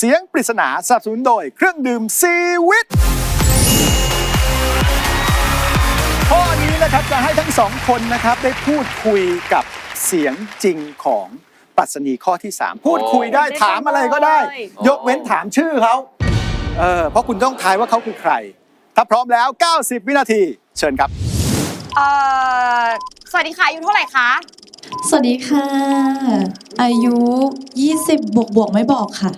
เสียงปริศนาสนับสนุนโดยเครื่องดื่มซีวิตข้อนี้นะครับจะให้ทั้งสองคนนะครับได้พูดคุยกับเสียงจริงของปรัชนีข้อที่ 3 พูดคุยได้ถามอะไรก็ได้ยกเว้นถามชื่อเขาเพราะคุณต้องทายว่าเขาคือใครถ้าพร้อมแล้ว90วินาทีเชิญครับสวัสดีค่ะอายุเท่าไหร่คะสวัสดีค่ะอายุ20บวกไม่บอกค่ะ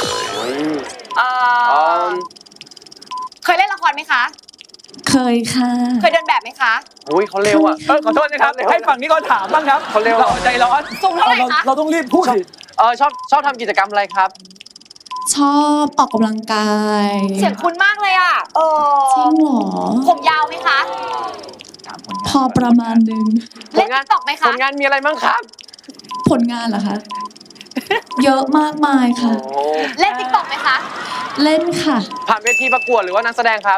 เคยเล่นละครไหมคะเคยค่ะเคยเดินแบบไหมคะอุ้ยเขาเร็วอ่ะขอโทษนะครับให้ฝั่งนี้ก็ถามบ้างครับเขาเร็วใจร้อนสูงเท่าไหร่คะเราต้องรีบพูดสิชอบทำกิจกรรมอะไรครับชอบออกกำลังกายเสียงคุ้นมากเลยอ่ะจริงเหรอผมยาวไหมคะพอประมาณนึงเล่นติ๊กต็อกไหมคะผลงานมีอะไรบ้างครับผลงานเหรอคะเยอะมากมายค่ะเล่นติ๊กต็อกไหมคะเล่นค่ะผ่านเวทีประกวดหรือว่านักแสดงครับ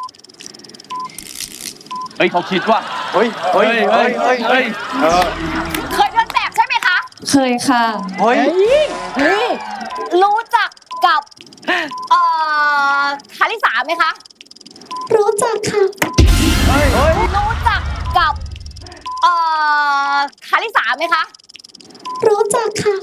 เฮ้ยเขาคิดว่าเฮ้ยเคยเดินแบบใช่ไหมคะเคยค่ะเฮ้ยรู้จักกับคาริสาไหมคะรู้จักค่ะรู้จักกับคาริสาไหมคะรู้จักค่ะ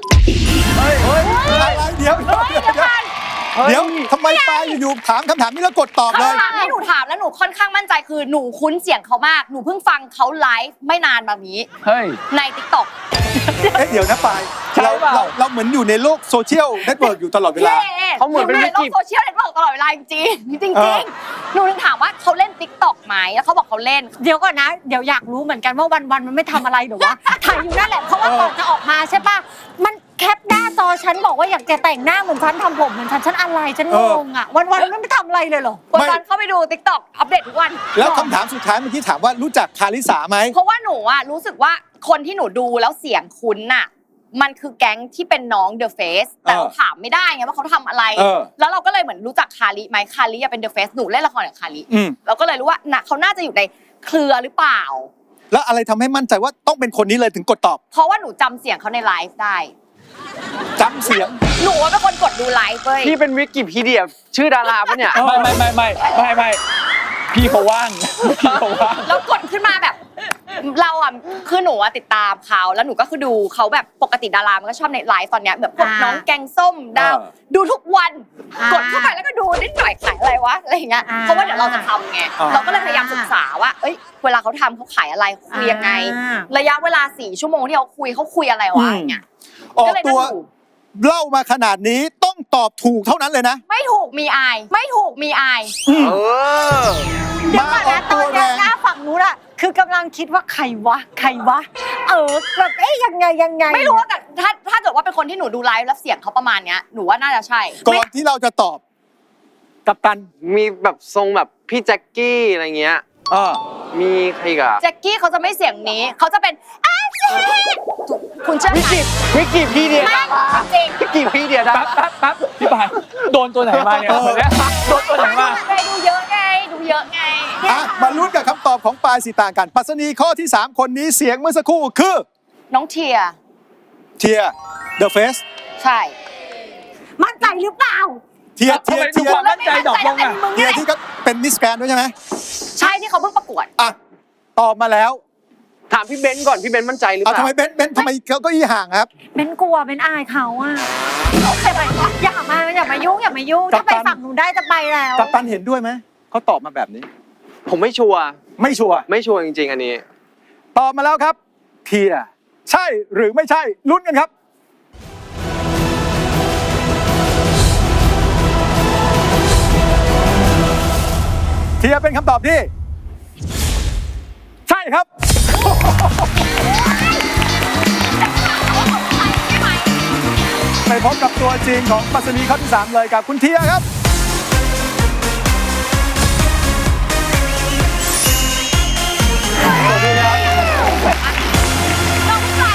เดี๋ยวทำไมปาอยู่ๆถามคำถามนี้แล้วกดตอบเลยให้หนูถามแล้วหนูค่อนข้างมั่นใจคือหนูคุ้นเสียงเขามากหนูเพิ่งฟังเขาไลฟ์ไม่นานมานี้ใน TikTok เดี๋ยวนะปายเราเหมือนอยู่ในโลกโซเชียลเน็ตเวิร์กอยู่ตลอดเวลาเขาเหมือนเป็นในโลกโซเชียลเน็ตเวิร์กตลอดเวลาจริงหนูถึงถามว่าเขาเล่น TikTok ไหมแล้วเขาบอกเขาเล่นเดี๋ยวก่อนนะเดี๋ยวอยากรู้เหมือนกันว่าวันมันไม่ทำอะไรหรือว่าถ่ายอยู่นั่นแหละเพราะว่าก่อนจะออกมาใช่ป่ะมันแคปหน้าจอฉันบอกว่าอยากจะแต่งหน้าเหมือนฉันทำผมเหมือนฉันอะไรฉันงงอ่ะวันไม่ทำอะไรเลยเหรอวันเข้าไปดู TikTok อัปเดตทุกวันแล้วคำถามสุดท้ายเมื่อกี้ถามว่ารู้จักคาริสาไหมเพราะว่าหนูอ่ะรู้สึกว่าคนที่หนูดูแล้วเสียงคุ้นน่ะมันคือแก๊งที่เป็นน้อง The Face แต่เราถามไม่ได้ไงว่าเขาทำอะไรแล้วเราก็เลยเหมือนรู้จักคาริไหมคาริเป็น The Face หนูเล่นละครกับคาริเราก็เลยรู้ว่าเขาน่าจะอยู่ในเครือหรือเปล่าแล้วอะไรทำให้มั่นใจว่าต้องเป็นคนนี้เลยถึงกดตอบเพราะว่าหนูจำเสียงเขาในไลฟ์ได้จำเสียงหนูเป็นคนกดดูไลฟ์เลยพี่เป็นวิกิพีเดียชื่อดาราปะเนี่ยไม่พี่เขาว่างแล้วกดขึ้นมาแบบเราอ่ะคือหนูติดตามเขาแล้วหนูก็คือดูเขาแบบปกติดารามันก็ชอบในไลฟ์ตอนเนี้ยแบบพวกน้องแกงส้มดาวดูทุกวันกดเข้าไปแล้วก็ดูนิดหน่อยขายอะไรวะอะไรอย่างเงี้ยเพราะว่าเดี๋ยวเราจะทำไงเราก็เลยพยายามศึกษาว่าเอ้ยเวลาเขาทำเขาขายอะไรคุยยังไงระยะเวลา4 ชั่วโมงที่เขาคุยอะไรวะอย่างเงี้ยออกตัวเล่ามาขนาดนี้ต้องตอบถูกเท่านั้นเลยนะไม่ถูกมีอายเดี๋ยวก่อนนะตอนนี้หน้าฝั่งนู้นอะคือกำลังคิดว่าใครวะแบบยังไงไม่รู้ว่าแต่ถ้าเกิดว่าเป็นคนที่หนูดูไลฟ์แล้วเสียงเขาประมาณเนี้ยหนูว่าน่าจะใช่ก่อนที่เราจะตอบกัปตันมีแบบทรงแบบพี่แจ็คกี้อะไรเงี้ยมีใครกับแจ็คกี้เขาจะไม่เสียงนี้เขาจะเป็นคุณเชื่อไหมวิกิพีเดียจริงวิกิพีเดียแป๊บพี่ปายโดนตัวไหนมาเนี่ยโดนตัวไหนมาดูเยอะไงมาลุ้นกับคำตอบของปายสิต่างกันปรัชนีข้อที่3คนนี้เสียงเมื่อสักครู่คือน้องเทีย The Face ใช่มั่นใจหรือเปล่าเทียความมั่นใจดอกลงอ่ะเทียที่ก็เป็นมิสแกรนด์ด้วยใช่ไหมใช่ที่เขาเพิ่งประกวดตอบมาแล้วถามพี่เบนก่อนพี่เบนมั่นใจหรือเปล่าทำไมเบนทำไมเขาก็ห่างครับเบนกลัวเบนอายเขาอ่ะอย่ามายุ่งถ้าไปฝั่งหนูได้จะไปแล้วกัปตันเห็นด้วยไหมเขาตอบมาแบบนี้ผมไม่ชัวร์จริงๆอันนี้ตอบมาแล้วครับเทียใช่หรือไม่ใช่ลุ้นกันครับเทียเป็นคำตอบที่ใช่ครับไปพบกับตัวจริงของปรัชนีข้อที่3เลยกับคุณเทียครับสวัสดี